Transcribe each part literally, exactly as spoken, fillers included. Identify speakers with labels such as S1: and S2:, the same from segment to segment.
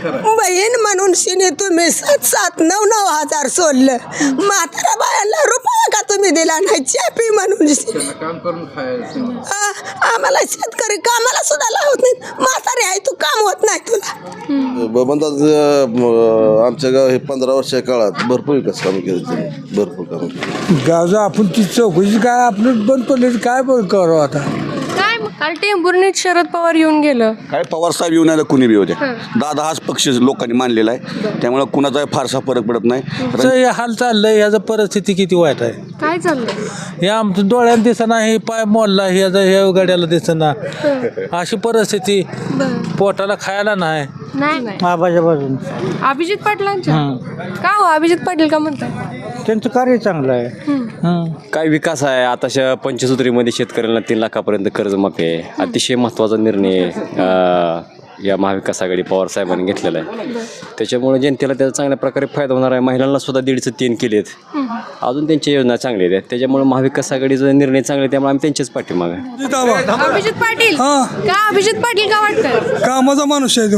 S1: बहीण म्हणून शिनी तुम्ही सात सात नऊ नऊ हजार सोडलं. म्हातारा बायाला रुपया का तुम्ही दिला नाही चापी म्हणून.
S2: काम करून खायचं.
S1: आम्हाला शेतकरी कामाला सुद्धा लावत नाही. म्हातारी आहे तू काम होत नाही तुला.
S3: बबनदास आमच्या गाव हे पंधरा वर्षाच्या काळात भरपूर विकास काम केले त्यांनी. भरपूर काम केलं.
S4: गावचं आपण ती चौकशी काय आपलं बंद पडले काय करावं आता.
S5: काय मग काल टेंभुर्णीत शरद पवार येऊन गेलं.
S6: काय पवार साहेब येऊन आलं कुणी बी होते. दादा हाच पक्ष लोकांनी मानलेला आहे त्यामुळे कुणाचा फारसा फरक पडत नाही.
S4: हे हाल चाललंय ह्याचं परिस्थिती किती वाईट आहे.
S5: काय चाललंय
S4: हे आमचं डोळ्याला दिसना हे पाय मोडला ह्याचा ह्या गाड्याला दिसना अशी परिस्थिती. पोटाला खायला नाही.
S5: नाही
S4: आबाच्या बाजून
S5: अभिजित पाटलांच्या का हो अभिजित पाटील का म्हणतात.
S4: त्यांचं कार्य चांगलं आहे.
S7: काय विकास आहे. आताच्या पंचसूत्रीमध्ये शेतकऱ्यांना तीन लाखापर्यंत कर्जमाफी आहे. अतिशय महत्त्वाचा निर्णय या महाविकास आघाडी पवार साहेबांनी घेतलेला आहे. त्याच्यामुळे जनतेला त्याचा चांगल्या प्रकारे फायदा होणार आहे. महिलांना सुद्धा दीडचं तीन केलेत. अजून त्यांच्या योजना चांगल्या आहेत. त्याच्यामुळे महाविकास आघाडीचा निर्णय चांगला आहे त्यामुळे आम्ही त्यांच्याच पाठीमागे.
S5: अभिजित पाटील का अभिजित पाटील का वाटतं.
S4: कामाचा माणूस आहे तो.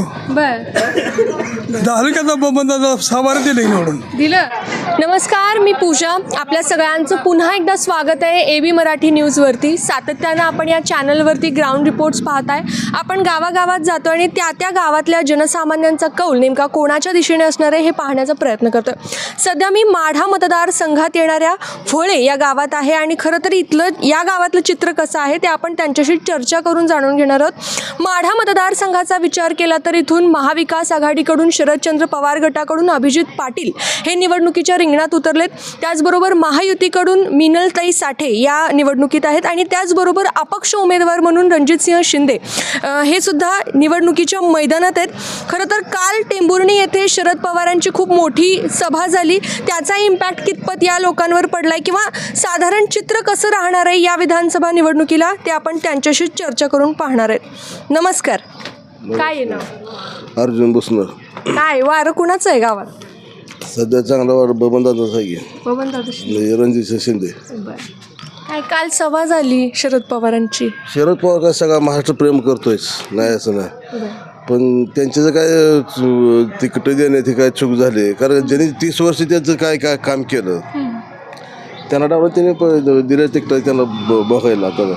S5: बर
S4: झालं का बबनदादा सवार दिले निवडून
S5: दिलं. नमस्कार, मी पूजा. आपल्या सगळ्यांचं पुन्हा एकदा स्वागत आहे ए बी मराठी न्यूजवरती. सातत्यानं आपण या चॅनलवरती ग्राउंड रिपोर्ट्स पाहताय. आपण गावागावात जातो आणि त्या त्या गावातल्या जनसामान्यांचा कौल नेमका कोणाच्या दिशेने असणार आहे हे पाहण्याचा प्रयत्न करतो. सध्या मी माढा मतदारसंघात येणाऱ्या फळे या गावात आहे आणि खरं तर इथलं या गावातलं चित्र कसं आहे ते आपण त्यांच्याशी चर्चा करून जाणून घेणार आहोत. माढा मतदारसंघाचा विचार केला तर इथून महाविकास आघाडीकडून शरदचंद्र पवार गटाकडून अभिजित पाटील हे निवडणुकीच्या रिंगणात उतरलेत. त्याचबरोबर महायुतीकडून मिनलताई साठे या निवडणुकीत आहेत आणि त्याचबरोबर अपक्ष उमेदवार म्हणून रणजितसिंह शिंदे हे सुद्धा निवडणुकीच्या मैदानात आहेत. खरं तर काल टेंभुर्णी येथे शरद पवारांची खूप मोठी सभा झाली. त्याचा इम्पॅक्ट कितपत या लोकांवर पडलाय किंवा साधारण चित्र कसं राहणार आहे या विधानसभा निवडणुकीला ते आपण त्यांच्याशी चर्चा करून पाहणार आहेत. नमस्कार, काय आहे नाव.
S3: अर्जुन बुसनर.
S5: काय वारं कुणाचं आहे गावात.
S3: सध्या चांगला वार बबनदादाचा आहे.
S5: बबनदादा
S3: रणजित शिंदे.
S5: काय काल सभा झाली शरद पवारांची.
S3: शरद पवार काय सगळा महाराष्ट्र प्रेम करतोयच नाही असं नाही. पण त्यांचे जर काय तिकीट देण्याची काय चूक झाली कारण ज्यांनी तीस वर्ष त्यांचं काय काय काम केलं त्यांना डावलं त्यांनी दिल्या तिकीट त्यांना बघायला. आता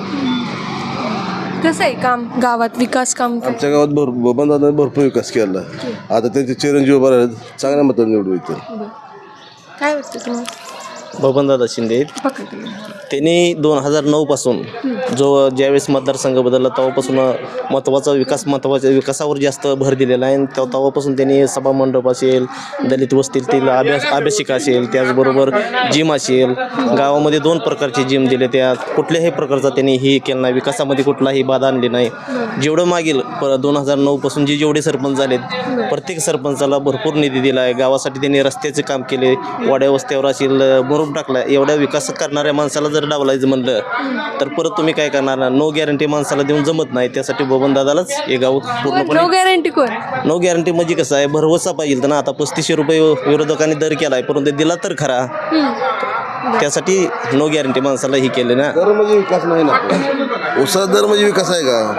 S5: कसं आहे काम गावात विकास काम.
S3: आमच्या गावात भर बबनदादाने भरपूर विकास केला. आता त्यांचे चिरंजीव उभा राहिले चांगल्या मताने निवडून येतील.
S5: काय वाटतं तुम्हाला.
S8: बबनदादा शिंदे त्यांनी दोन हजार नऊपासून जो ज्यावेळेस मतदारसंघ बदलला तेव्हापासून महत्त्वाचा विकास महत्त्वाच्या विकासावर जास्त भर दिलेला आहे. त्या तेव्हापासून त्यांनी सभामंडप असेल, दलित वस्तीतील अभ्यास अभ्यासिका असेल, त्याचबरोबर जिम असेल, गावामध्ये दोन प्रकारचे जिम दिले. त्यात कुठल्याही प्रकारचा त्यांनी ही केला नाही. विकासामध्ये कुठलाही बाधा आणली नाही. जेवढं मागील प दोन हजार नऊपासून जे जेवढे सरपंच झालेत प्रत्येक सरपंचाला भरपूर निधी दिला आहे. गावासाठी त्यांनी रस्त्याचे काम केले, वाड्या वस्त्यावर असेल मुरुम टाकला. एवढ्या विकास करणाऱ्या माणसाला जर डावलायचं म्हणलं तर परत तुम्ही काय करणार. नो गॅरंटी माणसाला देऊन जमत नाही. त्यासाठी बबनदादालाच हे गाव पूर्णपणे
S5: नो गॅरंटी कोण.
S8: नो गॅरंटी म्हणजे कसं आहे भरवसा पाहिजे ना. आता पस्तीसशे रुपये विरोधकांनी दर केला आहे परंतु दिला तर खरा. त्यासाठी नो गॅरंटी माणसाला ही केले ना.
S3: दर म्हणजे विकास नाही ना. उसा दर म्हणजे विकास आहे का.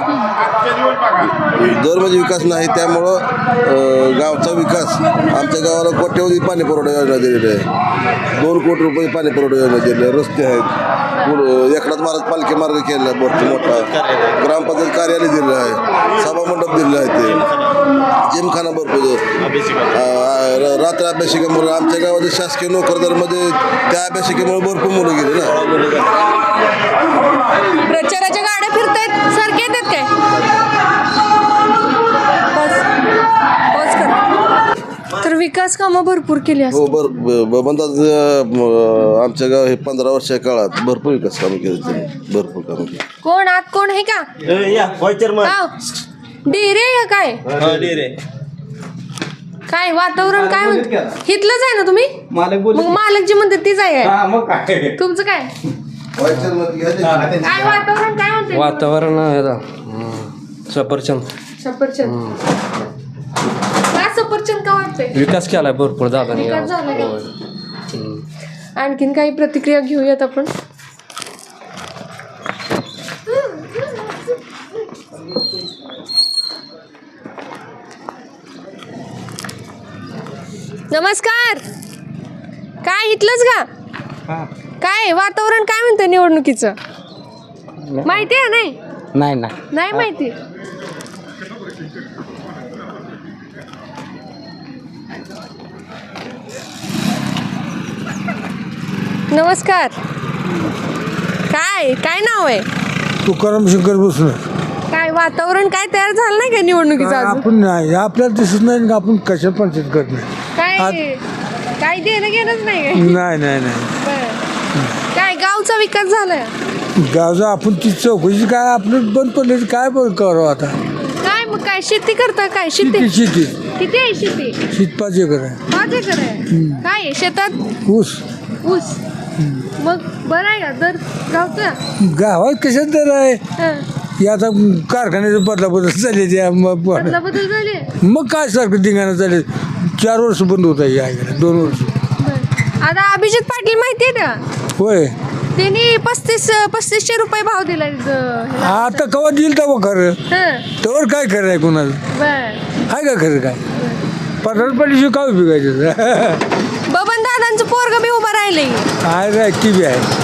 S3: दर म्हणजे विकास नाही. त्यामुळं गावचा विकास आमच्या गावाला कोट्यवधी पाणी पुरवठा योजना दिलेली आहे. दोन कोटी रुपये पाणी पुरवठा योजना दिलेली आहे. रस्ते आहेत. पुढं एकनाथ महाराज पालखी मार्ग केलेला आहे भरपूर मोठा. ग्रामपंचायत कार्यालय दिलेलं आहे. सभामंडप दिलेलं आहे. ते जिमखाना भरपूर. रात्र अभ्यासिकेमुळे आमच्या गावातील शासकीय नोकरदारमध्ये त्या अभ्यासिकेमुळे भरपूर मुलं गेली ना.
S5: प्रचाराच्या गाड्या फिरतायत सारखे येतात काय. तर विकास कामं भरपूर केली
S3: हो बर बबनदादा आमच्या गाव हे पंधरा वर्षाच्या काळात भरपूर विकास कामं केली त्यांनी. भरपूर कामं केली.
S5: कोण आत कोण आहे का. डेरे या काय काय वातावरण काय म्हणत हिथलंच आहे ना तुम्ही. मग मालक जी म्हणतात तीच आहे. तुमचं काय काय वातावरण काय म्हणते.
S9: वातावरण सफरचंद
S5: सफरचंद का सफरचंद का वाटतंय.
S9: विकास केलाय भरपूर दादाने.
S5: आणखीन काही प्रतिक्रिया घेऊयात आपण. नमस्कार. काय इथलंच का? काय वातावरण काय म्हणतं निवडणुकीचं? माहिती आहे नाही?
S9: नाही नाही
S5: नाही माहिती. नमस्कार. काय काय नाव आहे?
S4: तुकाराम शंकर बसणार.
S5: काय वातावरण काय तयार झालं नाही का निवडणुकीचं अजून?
S4: आपण नाही आपल्याला दिसत नाही का आपण कशा पंचायत करत नाही.
S5: काय काय देणं घेणंच नाही काय?
S4: नाही नाही नाही
S5: बरं. काय गावचा विकास झालाय?
S4: गावचं आपण ती चौकशी काय आपलं बंद पडले काय बरं करावं आता.
S5: काय मग काय शेती करता? काय शेती
S4: शेती शेती
S5: किती आहे शेती?
S4: शेत पाच एकर आहे.
S5: पाच एकर आहे. काय आहे शेतात?
S4: ऊस
S5: ऊस. मग बरं आहे का दर गावचा?
S4: गावात कशात दर आहे
S5: हं.
S4: हे आता कारखान्याचे बदला बदल झाले त्या मग
S5: बदला बदल झाले.
S4: मग काय सारखं धिंगाणं चालेल. चार वर्ष बंद होत आहे ऐकायला दोन वर्ष.
S5: बरं. आता अभिजित पाटील माहिती आहे का?
S4: होय
S5: त्यांनी पस्तीस पस्तीसशे रुपये भाव दिलाय ज- ह्याला.
S4: आता कवा दिल तेव्हा खरं
S5: हं.
S4: तेव्हा काय खरं आहे कोणाला
S5: बरं.
S4: आहे का खरं काय पठार पडल्याशिवाय काय उपयोगायचं.
S5: बबन दादांचं पोरग बी उभं राहिले.
S4: आहे रे टी व्ही आहे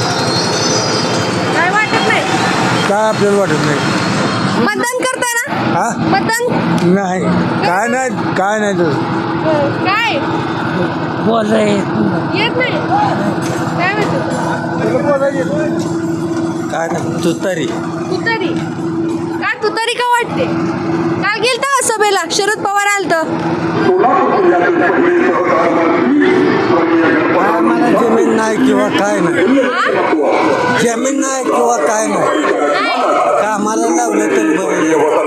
S5: काय वाटत नाही?
S4: काय आपल्याला वाटत नाही.
S5: मतदान करताय ना?
S4: हा
S5: मतदान
S4: नाही काय नाही काय नाही तसं
S5: काय
S4: बोलाय
S5: येत नाही? काय म्हणतो?
S4: काय नाही तू तरी
S5: तुतारी. काय तुतारी का वाटते? काल गेलता का सभेला? शरद पवार आलत.
S4: मला जमीन नाही किंवा काय नाही जमीन नाही किंवा काय नाही कामाला लावलं तर बरं.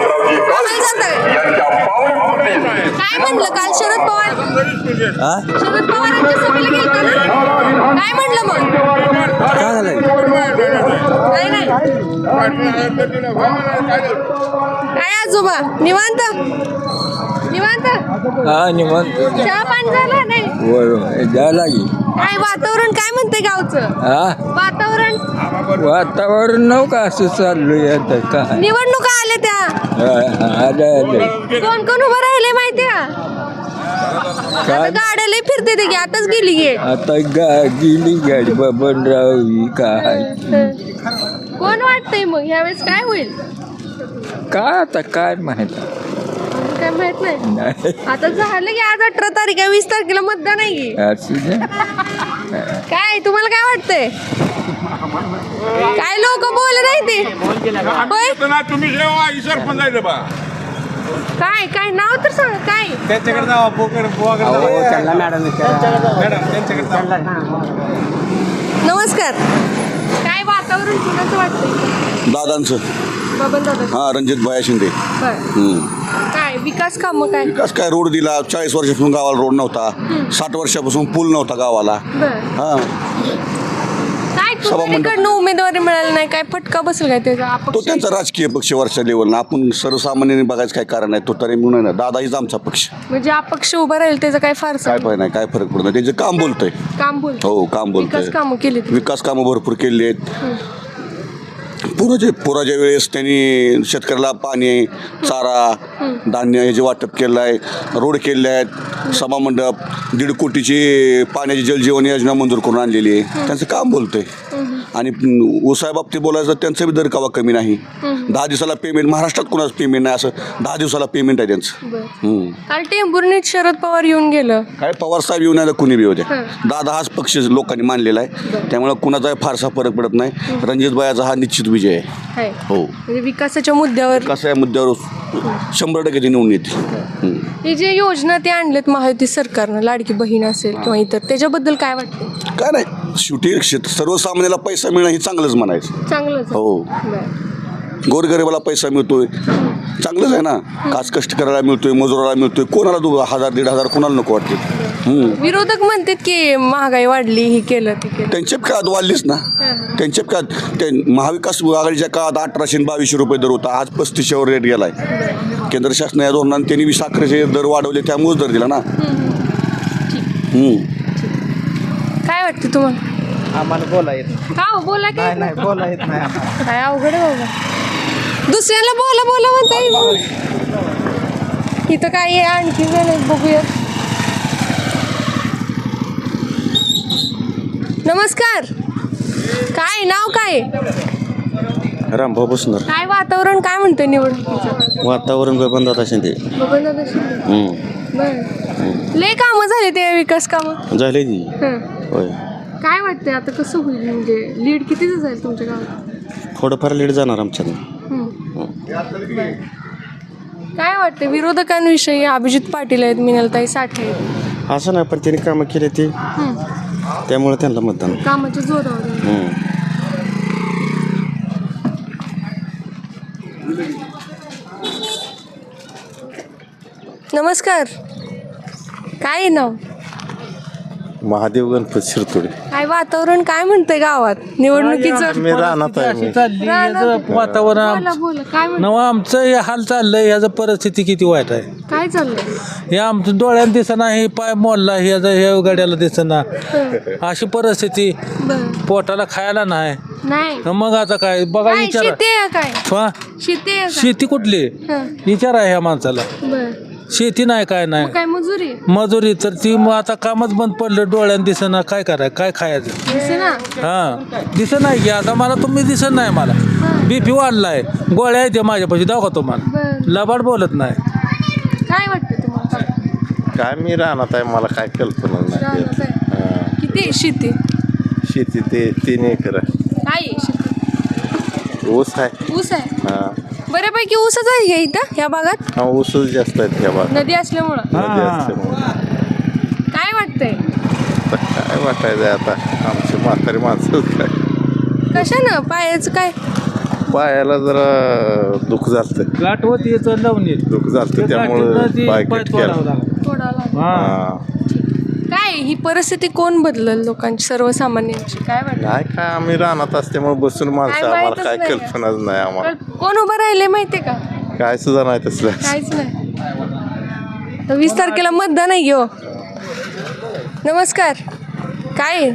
S5: काय म्हणलं काल शरद पवार?
S4: हा
S5: शरद पवारांच्या सभेला गेलता ना? काय म्हणलं मग?
S4: काय झालं
S5: काय नाही. काय आजोबा निवांत निवांत?
S4: हा निवांत
S5: चहा पाणी झालं नाही?
S4: बरोबर द्यायला लागेल.
S5: काय वातावरण काय म्हणते गावचं?
S4: हा
S5: वातावरण
S4: वातावरण नव का असं चाललंय आता काय
S5: निवडणुका आल्या त्या.
S4: आलं आलं
S5: कोण कोण उभं राहिले माहिती का? आता गाड्या लय फिरते ते की आताच गेली गे.
S4: आता गा गेली गाडी बबनराव ही काय
S5: कोण वाटतंय मग ह्यावेळेस काय होईल?
S4: काय आता काय माहित
S5: काय माहित नाही.
S4: नाही
S5: आता झालं की आज अठरा तारीख आहे, वीस तारखेला मतदान आहे की.
S4: असू दे.
S5: काय तुम्हाला काय वाटतंय? काय लोक बोलत नाही ते होय? काय काय नाव तर सांग काय? नमस्कार. काय वातावरण कुणाचं वाटतंय?
S6: दादांचं
S5: बबन दादा.
S6: हां रणजित भाया शिंदे.
S5: बरं. काय विकास काम काय?
S6: विकास काय रोड दिला चाळीस वर्षापासून गावाला रोड नव्हता साठ वर्षापासून पूल नव्हता गावाला.
S5: बरं.
S6: हां
S5: काय
S6: सभामंडप.
S5: तुमच्याकडनं उमेदवारी मिळाली नाही काय फटका बसेल काय त्याचा?
S6: तो
S5: अपक्ष
S6: त्यांचा राजकीय पक्ष वरच्या लेवलला आपण सर्वसामान्यांनी बघायचं काय कारण आहे तो तरी म्हणून ना दादा हीच आमचा पक्ष
S5: म्हणजे अपक्ष उभा राहील त्याचा काय फारसा
S6: काय पाहिजे नाही काय फरक पडत नाही त्यांचं काम बोलतंय.
S5: काम बोल
S6: हो काम बोलतंय
S5: विकास कामं केली
S6: विकास कामं भरपूर केली आहेत. पुराच्या पुराच्या वेळेस त्यांनी शेतकऱ्याला पाणी चारा धान्य ह्याचे वाटप केलं आहे रोड केले आहेत सभामंडप दीड कोटीची पाण्याची जलजीवन योजना मंजूर करून आणलेली आहे. त्यांचं काम बोलतंय. आणि ऊसाबाबतीत बोलायचं त्यांचं बी दर कवा कमी नाही. दहा दिवसाला पेमेंट महाराष्ट्रात कोणाचं पेमेंट नाही असं दहा दिवसाला पेमेंट आहे त्यांचं. हम्म.
S5: काल टेंभुर्णीत शरद पवार येऊन गेलं.
S6: काय पवार साहेब येऊन नाही कुणी बी होते दादा हाच पक्ष लोकांनी मानलेला आहे त्यामुळे कुणाचा फारसा फरक पडत नाही. रणजितबायाचा हा निश्चित विजय आहे.
S5: आहे.
S6: हो
S5: म्हणजे विकासाच्या मुद्द्यावर
S6: कसं आहे मुद्द्यावर शंभर टक्के ते निवडून येते.
S5: हे जे योजना ते आणलेत महायुती सरकारनं लाडकी बहीण असेल किंवा इतर त्याच्याबद्दल काय वाटतं?
S6: काय नाही शेवटी शेत सर्वसामान्याला पैसा मिळणं हे चांगलंच म्हणायचं.
S5: चांगलंच.
S6: हो
S5: बरं.
S6: गोरगरिबाला पैसा मिळतोय चांगलंच आहे ना. काच कष्ट करायला मिळतोय मजुराला मिळतोय कोणाला दो हजार दीड हजार कोणाला नको वाटते.
S5: विरोधक म्हणतात की महागाई वाढली ही केलं ते केलं.
S6: त्यांच्या काळात वाढलीच ना त्यांच्या काळात ते महाविकास आघाडीच्या काळात अठराशे आणि बावीसशे रुपये दर होता आज पस्तीसशेवर रेट गेलाय. केंद्र शासन या धोरणाने त्यांनी बी साखरेचे दर वाढवले त्यामुळेच दर दिला ना.
S5: काय वाटतं तुम्हाला?
S8: आम्हाला बोला येत
S5: का हो, बोला काय
S8: नाही बोला येत नाही.
S5: काय अवघड आहे बाबा. दुसऱ्याला बोला बोला म्हणता येईल. इथं काय आहे आणखी वेळ बघूया. नमस्कार. काय नाव काय?
S6: रामभाऊ बसणार.
S5: काय वातावरण काय म्हणतंय निवडणुकीचं?
S6: वातावरण बबनदादा शिंदे.
S5: बबनदादा शिंदे. बरं. लय कामं झाले ते विकास कामं
S6: झाले ती.
S5: हं.
S6: होय.
S5: काय वाटतंय आता कसं होईल म्हणजे लीड कितीच जाईल तुमच्या गावात?
S6: थोडंफार लेट जाणार आमच्यानं.
S5: हं. बरं. काय वाटतं विरोधकांविषयी? अभिजित पाटील आहेत, मिनलताई साठे आहेत.
S6: असं नाही, पण त्यांनी कामं केले ते
S5: हं.
S6: त्यामुळे त्यांना मतदान.
S5: कामाच्या जोरावर आहे.
S6: हं.
S5: नमस्कार. काय आहे नाव?
S6: महादेव गणपत शिरतोडे.
S5: काय वातावरण काय म्हणतंय गावात निवडणुकीचं?
S6: मी राहणार आहे.
S5: रानात-
S4: वातावरण
S5: बोला बोला काय म्हणत
S4: नवा आमचं हे हाल चाललंय. याचं परिस्थिती किती वाईट आहे.
S5: काय चाललंय?
S4: हे आमचं डोळ्यात दिसना, हे पाय मोडला, हे हे गाड्याला दिसना, अशी परिस्थिती.
S5: बरं.
S4: पोटाला खायला नाही.
S5: नाही
S4: मग आता काय बघा
S5: काय
S4: विचारा.
S5: शेती आहे काय?
S4: हा?
S5: शेती आहे का?
S4: शेती कुठली
S5: हं.
S4: विचारा ह्या माणसाला.
S5: बरं.
S4: शेती नाही काय नाही.
S5: मग काय मजुरी
S4: मजुरी तर ती मग आता कामच बंद पडलं, डोळ्यात दिसना, काय कराय काय खायचं.
S5: दिसे ना.
S4: हा दिसत नाही की आता मला तुम्ही दिसत नाही. मला बीपी वाढलाय, गोळ्या येते माझ्यापाशी, दाखवा तुम्हाला.
S5: बरं.
S4: लबाड बोलत नाही.
S5: काय वाटतं तुम्हाला?
S6: काय मी राहणार आहे, मला काय कल्पना
S5: रानात आहे. किती आहे शेती?
S6: शेती ते तीन एकर आहे.
S5: काय आहे शेती?
S6: ऊस आहे.
S5: ऊस आहे.
S6: हा
S5: बऱ्यापैकी ऊसच आहे का इथं ह्या भागात?
S6: हा ऊसच जास्त आहेत ह्या भागात.
S5: नदी असल्यामुळं.
S6: नदी असल्यामुळे.
S5: काय वाटतंय?
S6: आता काय वाटायचं आता आमची म्हातारी माणसं काय
S5: कशानं पायाचं काय?
S6: पायाला जरा दुःख झालं.
S4: गाठ होती लावून येत
S6: दुःख झालं त्यामुळे पाय कट केला.
S5: थोडा लागला.
S6: हा
S5: काय ही परिस्थिती कोण बदलल लोकांची, सर्वसामान्यांची? काय वाटतं?
S6: नाही काय आम्ही रानात असल्यामुळे बसून माणसं
S5: काय
S6: आम्हाला
S5: माहीतच
S6: काय
S5: नाही.
S6: कल्पनाच नाही आम्हाला.
S5: कोण उभं राहिले माहितीये का?
S6: काय सुद्धा नाही तसलं.
S5: काहीच नाही. तर वीस तारखेला मतदान आहे घेऊ. नमस्कार. काय आहे?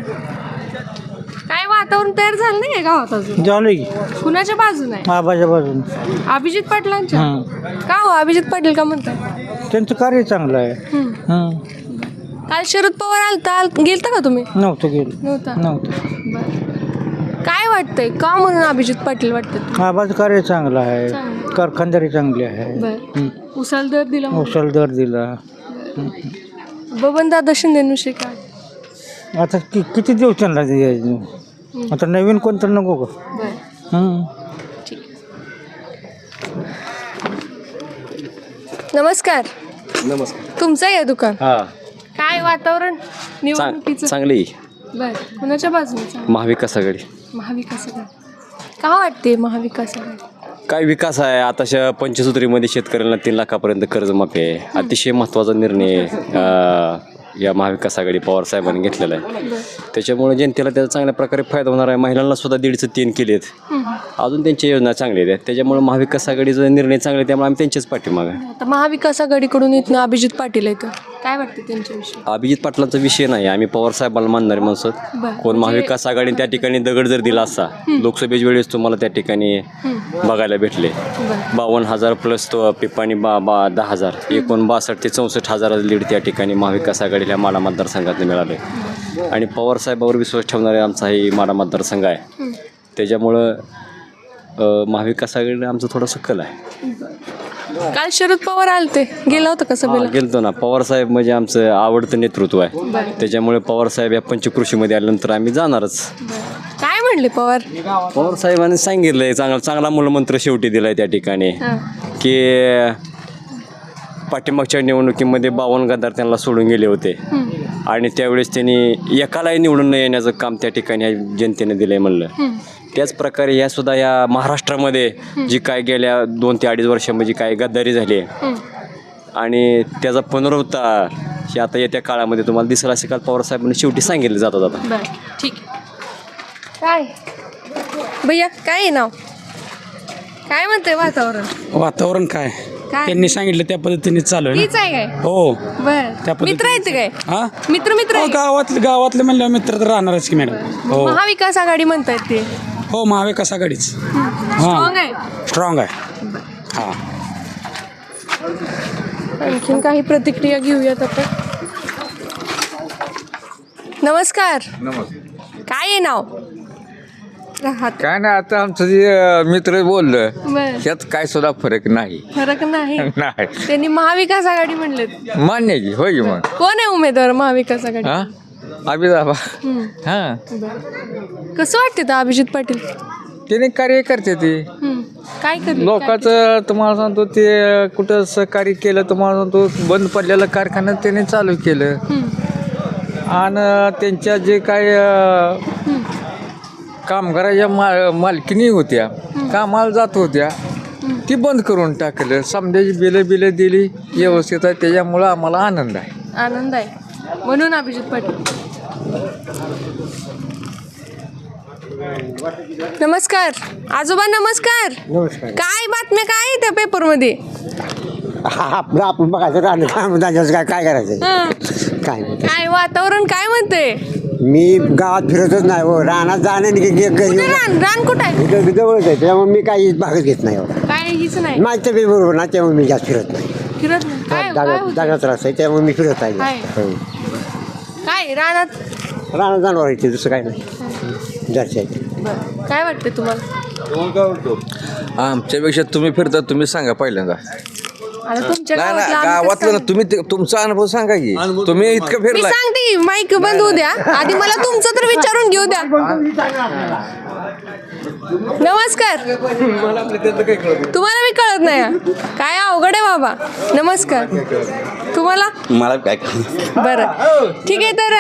S5: काय वातावरण तयार झालं नाही गावात अजून?
S4: झालं की
S5: कुणाच्या बाजून आहे?
S4: आबाच्या बाजून.
S5: अभिजित पाटलांच्या. का हो अभिजित पाटील का म्हणताय?
S4: त्यांचं कार्य चांगलं आहे.
S5: हम्म. काल शरद पवार आलता गेलता का तुम्ही?
S4: नव्हतं गेलं.
S5: नव्हता.
S4: नव्हतं.
S5: बरं. काय वाटतंय का म्हणून अभिजित पाटील वाटतं?
S4: आबाचं कार्य चांगलं आहे.
S5: चांगलं.
S4: कारखानदारी चांगली आहे.
S5: बरं. उसाला दर दिला म्हणून.
S4: औषध दर दिला.
S5: बबनदादा शिंदेविषयी काय?
S4: आता कि किती दिवस त्यांना द्यायचं? आता नवीन कोणतं नको का?
S5: बरं.
S4: हं.
S5: नमस्कार.
S7: नमस्कार.
S5: तुमचं आहे दुकान?
S7: हां
S5: काय वातावरण निवडणुकीचं?
S7: चांगली
S5: बर. कुणाच्या बाजूने?
S7: महाविकास आघाडी.
S5: महाविकास आघाडी का वाटते महाविकास आघाडी?
S7: काय विकास आहे आताच्या पंचसूत्रीमध्ये शेतकऱ्यांना तीन लाखापर्यंत कर्जमाफी आहे. अतिशय महत्त्वाचा निर्णय अं, या महाविकास आघाडी पवार साहेबांनी घेतलेला आहे. त्याच्यामुळे जनतेला त्याचा चांगल्या प्रकारे फायदा होणार आहे. महिलांना सुद्धा दीडचं तीन केलेत. अजून त्यांच्या योजना चांगल्या आहेत. त्याच्यामुळे महाविकास आघाडीचा निर्णय चांगले आहे, त्यामुळे आम्ही त्यांच्याच पाठीमागे आहे.
S5: आता महाविकास आघाडीकडून इथनं अभिजित पाटील येतं. काय वाटतं त्यांच्याविषयी?
S7: अभिजित पाटलांचा विषय नाही, आम्ही पवार साहेबांना मानणारे माणसं.
S5: बरं.
S7: कोण महाविकास आघाडीने त्या ठिकाणी दगड जर दिला असता, लोकसभेच्या वेळेस तुम्हाला त्या ठिकाणी बघायला भेटले बावन्न हजार प्लस तो पिपाणी बा बा दहा हजार एकूण बासष्ट ते चौसष्ट हजार लीड त्या ठिकाणी महाविकास आघाडीला माडा मतदारसंघात मिळाले. आणि पवार साहेबावर विश्वास ठेवणारे आमचा ही माडा मतदारसंघ आहे. त्याच्यामुळं अ, महाविकास आघाडीने आमचं थोडंसं कल आहे.
S5: काल शरद पवार आलते, गेला होता का सभेला?
S7: गेलतो ना. पवार साहेब म्हणजे आमचं आवडतं नेतृत्व आहे. त्याच्यामुळे पवार साहेब या पंचकृषीमध्ये आल्यानंतर आम्ही जाणारच.
S5: काय म्हणले पवार?
S7: पवार साहेबांनी सांगितलंय चांगला चांगला मूलमंत्र शेवटी दिलाय त्या ठिकाणी की पाठीमागच्या निवडणुकीमध्ये बावन्न गद्दार त्यांना सोडून गेले होते आणि त्यावेळेस त्यांनी एकालाही निवडून न येण्याचं काम त्या ठिकाणी जनतेने दिलंय म्हणलं. त्याच प्रकारे या सुद्धा या महाराष्ट्रामध्ये जी काय गेल्या दोन ते अडीच वर्षामध्ये काय गद्दारी झाली आहे आणि त्याचा पुनरुत्थान हे आता येत्या काळामध्ये तुम्हाला दिसेल असे काल पवार साहेबांनी शेवटी सांगितलं जाता जाता.
S5: बरं ठीक आहे. काय भैया काय आहे नाव? काय म्हणते वातावरण?
S10: वातावरण काय
S5: काय
S10: त्यांनी सांगितलं त्या पद्धतीने चालू आहे
S5: तीच आहे काय?
S10: ना. हो
S5: बर.
S10: पद्धतीने.
S5: मित्र आहेत काय?
S10: हा
S5: मित्र मित्र
S10: हो,
S5: आहे?
S10: गावातले गावातले म्हणलं मित्र तर राहणारच की मॅडम. हो
S5: महाविकास आघाडी म्हणतायत ते.
S10: हो महाविकास आघाडीच
S5: स्ट्रॉंग आहे.
S10: स्ट्रॉंग आहे. हां
S5: आणखीन काही प्रतिक्रिया घेऊयात आपण. नमस्कार. काय आहे नाव राहत
S2: काय नाही आता आमचं जे अं, मित्र बोललं
S5: बर
S2: त्यात काय सुद्धा फरक नाही
S5: फरक नाही
S2: नाही
S5: त्यांनी महाविकास आघाडी म्हणलेत
S2: मान्य आहे की होय की मग
S5: कोण आहे उमेदवार महाविकास आघाडी
S2: हा अभिदाबा
S5: हम्म.
S2: हा
S5: कसं वाटते तर अभिजित पाटील
S2: त्याने कार्य करते ते
S5: हम्म. काय करले
S2: लोकांचं तुम्हाला सांगतो ते कुठं सहकार्य केलं तुम्हाला सांगतो बंद पडलेलं कारखाना त्याने चालू केलं आणि त्यांच्या जे काय अं, कामगाराच्या मा मालकीनी होत्या कामाला जात होत्या ती बंद करून टाकलं समजायची बिलं बिलं दिली व्यवस्थित आहे त्याच्यामुळं आम्हाला आनंद आहे
S5: आनंद आहे म्हणून अभिजित पाटील. नमस्कार आजोबा नमस्कार
S4: नमस्कार
S5: काय बातम्या काय आहे त्या पेपरमध्ये
S4: आपलं आपण बघायचं राहणं काय काय काय करायचं
S5: हं.
S4: काय नाही
S5: काय वातावरण काय म्हणते
S4: मी गावात फिरतच नाही हो रानात जाणं आणि घरी
S5: कुठे रान रान कुठं आहे
S4: इथं जवळच आहे त्यामुळे मी काही भागच घेत नाही एवढा
S5: काय हीच नाही
S4: माझ्या तब्येत बरोबर ना त्यामुळे मी जास्त फिरत नाही
S5: फिरत नाही काय काय
S4: जागा
S5: होतं?
S4: जागा त्रास आहे त्यामुळे मी फिरत आहे
S5: आहे.
S4: जास्त. हो.
S5: काय रानात
S4: रानात जाणार आहे दुसरं काय नाही जास्त आहे
S5: बरं. काय वाटते तुम्हाला
S11: आमच्यापेक्षा तुम्ही फिरता तुम्ही सांगा पहिल्यांदा
S5: आता तुमच्या
S11: नाही
S5: गावातलं
S11: ना
S5: आम्ही कसं
S11: गावातलं ना
S5: सांगू?
S11: तुम्ही ते- तुमचा अनुभव सांगा की तुम्ही इतकं
S5: मी
S11: फिरला
S5: सांगते की माईक बंद होऊ द्या आधी मला तुमचं तर विचारून घेऊ द्या नमस्कार तुम्हाला मी कळत नाही हा? काय अवघड आहे बाबा नमस्कार तुम्हाला
S6: मला काय
S5: बरं ठीक आहे तर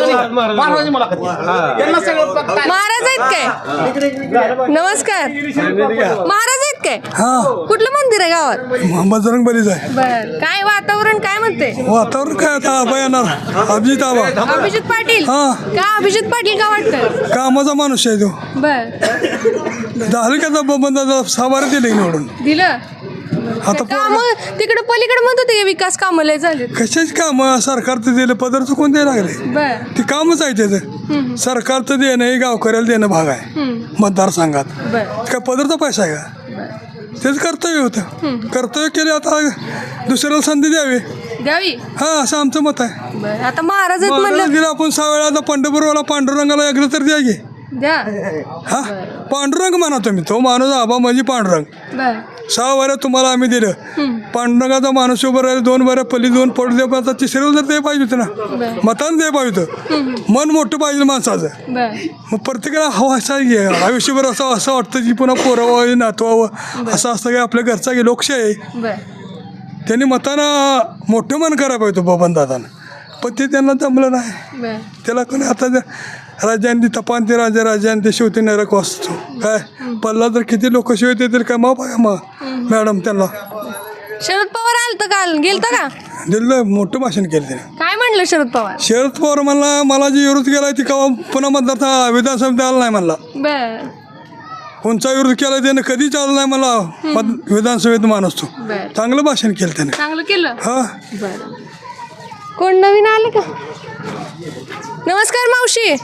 S5: महाराज आहेत काय नमस्कार महाराज आहेत काय कुठलं मंदिर आहे गावात
S12: बजरंग बलीच आहे
S5: बर काय वातावरण काय म्हणते
S12: वातावरण काय आता आबा येणार अभिजित आबा
S5: अभिजित पाटील
S12: हा.
S5: का अभिजित पाटील का वाटतं
S12: कामाचा माणूस आहे तो
S5: बर
S12: झालं का बंदा साबारा दिले निवडून
S5: दिलं
S12: आता
S5: काम तिकडे पलीकडे म्हणत होते विकास कामं लय झाले
S12: कशाच काम सरकारचं दिलं पदर चुकून द्यायला लागले
S5: बर
S12: ते कामच आहे त्याचं सरकारचं देणं हे गावकऱ्याला देणं भाग आहे मतदारसंघात
S5: बर
S12: काय पदरचा पैसा आहे का तेच कर्तव्य होतं कर्तव्य केले आता दुसऱ्याला संधी द्यावी
S5: द्यावी
S12: हा असं आमचं मत आहे
S5: बर आता महाराज आहेत
S12: महाराज
S5: म्हणलं
S12: दिला आपण सहा वेळा आता पांडुरंगाला पांडुरंगाला एकदा तर द्या की
S5: द्या
S12: हा पांडुरंग म्हणा तुम्ही तो माणूस आबा म्हणजे पांडुरंग
S5: बर
S12: सहा वर्या तुम्हाला आम्ही दिलं पांडुरंगाचा माणूस उभं राहिले दोन वर्या पल्ली दोन पडू दे आता तिसऱ्या जर ते पाहिजे होतं ना मतानं ते पाहिजे होतं मन मोठं पाहिजे माणसाचं
S5: बर
S12: मग प्रत्येकाला हवा असा घे आयुष्यभर असं असं वाटतं की पुन्हा पोरावं नातवावं असं असतं की आपल्या घरचा की लोकशाही आहे
S5: बर
S12: त्यांनी मतानं मोठं मन करायला पाहिजे बबन दादानं पण ते त्यांना जमलं नाही
S5: बर
S12: त्याला कोणी आता राजांनी तपान ते राजा राजांनी ते शेवटी नरक वाचतो काय पल्ला तर किती लोक शेवट येतील काय मग बघा मग मॅडम त्यांना
S5: शरद पवार आलत काल गेलत का
S12: दिलं मोठं भाषण केलं त्याने
S5: काय म्हणलं शरद पवार
S12: शरद पवार म्हणला मला जी विरोध केला ती कवा पुन्हा मतदार विधानसभेत आला नाही म्हणला
S5: बर
S12: कोणचा विरोध केला त्याने कधी चालला नाही मला मत विधानसभेत माणूस तो
S5: बर
S12: चांगलं भाषण केलं त्याने
S5: चांगलं केलं
S12: हा
S5: बर कोण नवीन आले का नमस्कार मावशी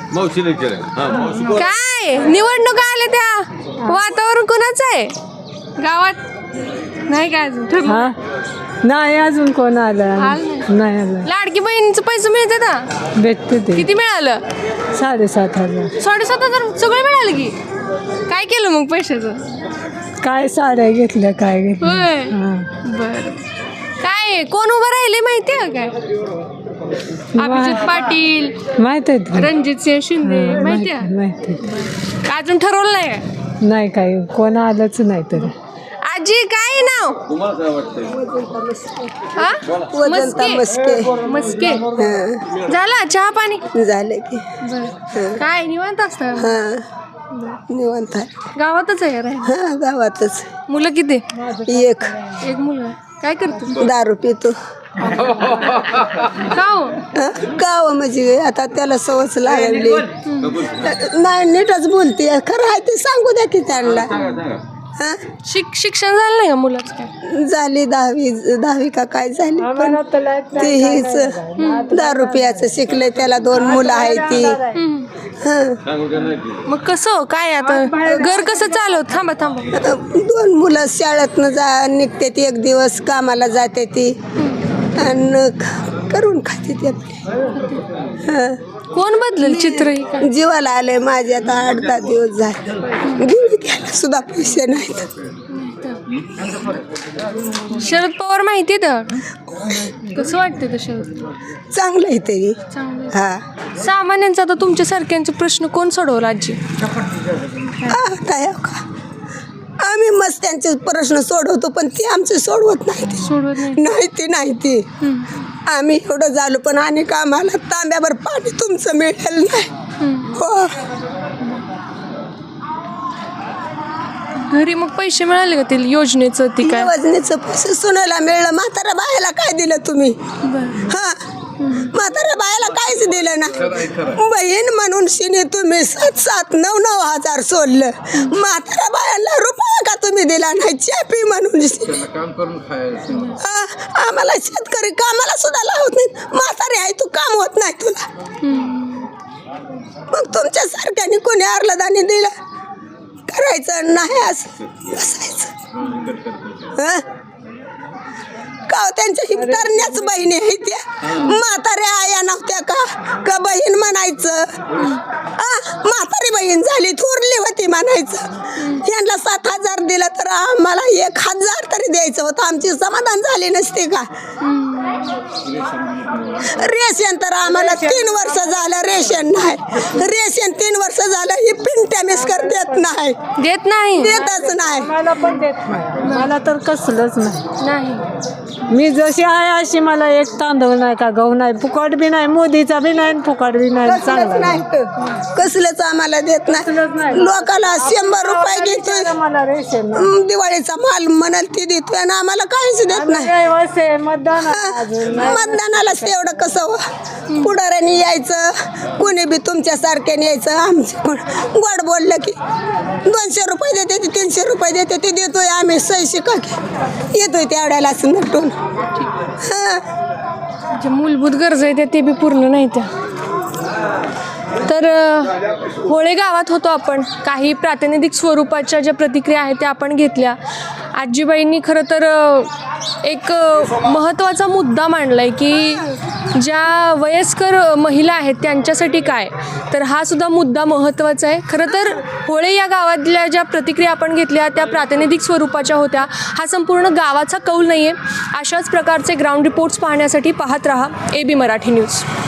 S5: काय निवडणुका आल्या त्या वातावरण कोणाचं आहे गावात नाही काय अजून ठरलं
S1: नाही अजून कोण आलं
S5: आलं नाही.
S1: नाही आलं
S5: लाडकी बहिणीचं पैसे मिळते ना
S1: भेटते ते
S5: किती मिळालं
S1: साडेसात हजार
S5: साडेसात हजार सगळं मिळालं की काय केलं मग पैशाचं
S1: काय साड्या घेतल्या काय घेतल्या
S5: होय
S1: हा.
S5: बर काय कोण उभं राहिले माहिती आहे काय अभिजित पाटील
S1: माहित आहे ते.
S5: रणजित सिंह शिंदे माहिती
S1: माहित
S5: आहे
S1: माहित आहे.
S5: का अजून ठरवलं नाही काय?
S1: नाही काय कोण आलंच नाही तर
S5: आजी काय नाव हा?
S1: वजंता मस्के.
S5: मस्के झाला चहा पाणी
S1: झालं की
S5: बरं. काय निवांत असतं
S1: हा निवांत आहे
S5: गावातच आहे राहील
S1: हा गावातच
S5: मुलं किती
S1: एक
S5: एक मुलं काय करतो
S1: दारू पितो
S5: का हो
S1: गाव म्हणजे आता त्याला सवच लागली नाही नीटच बोलते खरं आहे ते सांगू द्या की त्यांना हा
S5: शिक शिक्षण झालं नाही का मुलाचं काय
S1: झाली दहावी दहावी का काय झाली पण ते हेच दारू पियाचं शिकले त्याला दोन मुलं आहेत ती हा
S5: मग कसं काय आता घर कसं चालवत थांबा थांबा
S1: दोन मुलं शाळेतनं जा निघते ती एक दिवस कामाला जाते ती आणि करून खाते ते आपली. हं.
S5: कोण बदलेल चित्र ही काय?
S1: जीवाला आलंय माझे आता आठ दहा दिवस झाले घेऊन घ्यायला सुद्धा पैसे नाहीत.
S5: शरद पवार माहिती तर कसं वाटतं ते शरद?
S1: चांगलं आहे तरी. हा
S5: सामान्यांचा तर तुमच्यासारख्यांचे प्रश्न कोण सोडवला आजी?
S1: आता हे का आम्ही मस्त त्यांचे प्रश्न सोडवतो पण ते आमचे सोडवत नाही ते.
S5: सोडवत नाही.
S1: नाही ते नाही ते आम्ही एवढं झालो पण अनेक आम्हाला तांब्यावर पाणी तुमचं मिळेल नाही. हो
S5: घरी मग पैसे मिळाले का ते योजनेचं ती काय?
S1: योजनेचं पैसे सुनायला मिळलं. म्हाताऱ्या बायाला काय दिलं तुम्ही? हा म्हाताऱ्या बायाला काहीच दिलं ना. बहीण म्हणून शिने तुम्ही सात सात नऊ नऊ हजार सोडलं. म्हाताऱ्या बायाला रुपया का तुम्ही दिला नाही? चॅपी म्हणून आम्हाला शेतकरी कामाला सुद्धा लावत नाही. म्हातारे आहे तू काम होत नाही तुला. मग तुमच्या सारख्याने कोणी आरलदानी दिलं? करायचं नाही असं बसायचं. का त्यांच्या हिमतारण्याच बहिणी आहे त्या. म्हाताऱ्या आया नव्हत्या का का बहीण म्हणायचं? म्हातारी बहीण झाली थोरली होती म्हणायचं. यांना सात हजार दिलं तर आम्हाला एक हजार तरी द्यायचं होतं. आमची समाधान झाली नसते का? रेशन तर आम्हाला तीन वर्ष झालं रेशन नाही. रेशन तीन वर्ष झालं ही पिंट्या मिसकर देत नाही.
S5: देत नाही
S1: देतच नाही.
S13: मला पण देत नाही. मला तर कसलंच नाही.
S5: नाही
S13: मी जशी आहे अशी मला एक तांदूळ नाही का गहू नाही. फुकट बी नाही. मोदीचा बी नाही फुकट बी नाही.
S1: कसलंच नाही कसलंच आम्हाला देत नाही. लोकाला शंभर रुपये घेतोय
S13: मला रेशन
S1: दिवाळीचा माल म्हणाल ती देतोय आणि आम्हाला काहीच देत नाही.
S13: मतदान
S1: मतदानालाच तेवढं कसं पुढाऱ्याने यायचं कोणी बी तुमच्या सारख्याने यायचं. आमचे कोण गोड बोललं की दोनशे रुपये देते ते तीनशे रुपये देते ते देतोय आम्ही सही शिका की येतोय तेवढ्यालाच नटून.
S5: जे मूलभूत गरजा आहेत ते बी पूर्ण नाही त्या. तर होळे गावात होतो आपण. काही प्रातिनिधिक स्वरूपाच्या ज्या प्रतिक्रिया आहेत त्या आपण घेतल्या. आजीबाईंनी खरं तर एक महत्त्वाचा मुद्दा मांडला आहे की ज्या वयस्कर महिला आहेत त्यांच्यासाठी काय, तर हा सुद्धा मुद्दा महत्त्वाचा आहे. खरं तर होळे या गावातल्या ज्या प्रतिक्रिया आपण घेतल्या त्या प्रातिनिधिक स्वरूपाच्या होत्या. हा संपूर्ण गावाचा कौल नाही आहे. अशाच प्रकारचे ग्राउंड रिपोर्ट्स पाहण्यासाठी पाहत रहा ए बी मराठी न्यूज.